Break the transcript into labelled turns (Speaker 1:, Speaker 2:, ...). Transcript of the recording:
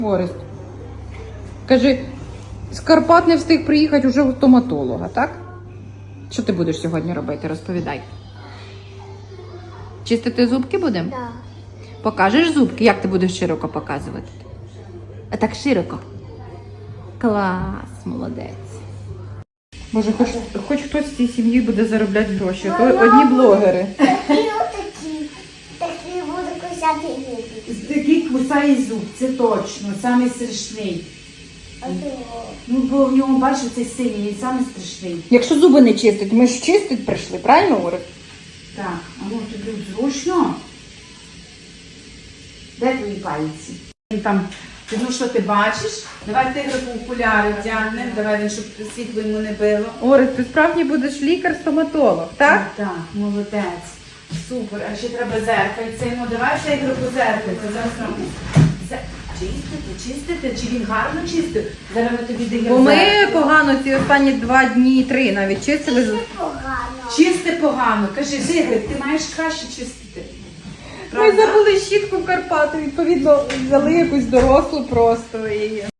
Speaker 1: Орест, кажи, з Карпат не встиг приїхати вже у стоматолога, так? Що ти будеш сьогодні робити? Розповідай. Чистити зубки будемо?
Speaker 2: Да.
Speaker 1: Покажеш зубки? Як ти будеш широко показувати? А так широко. Клас, молодець. Боже, хоч хтось з цієї сім'ї буде заробляти гроші, а то одні блогери.
Speaker 2: Такі буду кусати зубки.
Speaker 3: Такий кусає зуб, це точно, самий страшний. Ну, бо в ньому, бачиш, цей синій, він самий страшний.
Speaker 1: Якщо зуби не чистить, ми ж чистить прийшли, правильно, Орест?
Speaker 3: Так, а ну тобі зручно. Де твої пальці? Там, ну що ти бачиш? Давай тигрику окуляри вдягнемо, давай він, щоб світло йому не било.
Speaker 1: Орест, ти справді будеш лікар-стоматолог, так?
Speaker 3: Так, молодець. Супер, а ще треба зеркальце. Ну давай тигрику зеркальце. Зараз нам чистити, чи він гарно чистив? Зараз ми тобі даємо
Speaker 1: Бо ми
Speaker 3: зеркало.
Speaker 1: погано ці останні 2 дні, 3 навіть чистили.
Speaker 2: Погано.
Speaker 3: Чисти погано. Кажи, Зигрик, ти маєш краще чистити.
Speaker 1: Ми забули щітку в Карпати, відповідно, взяли якусь дорослу просто і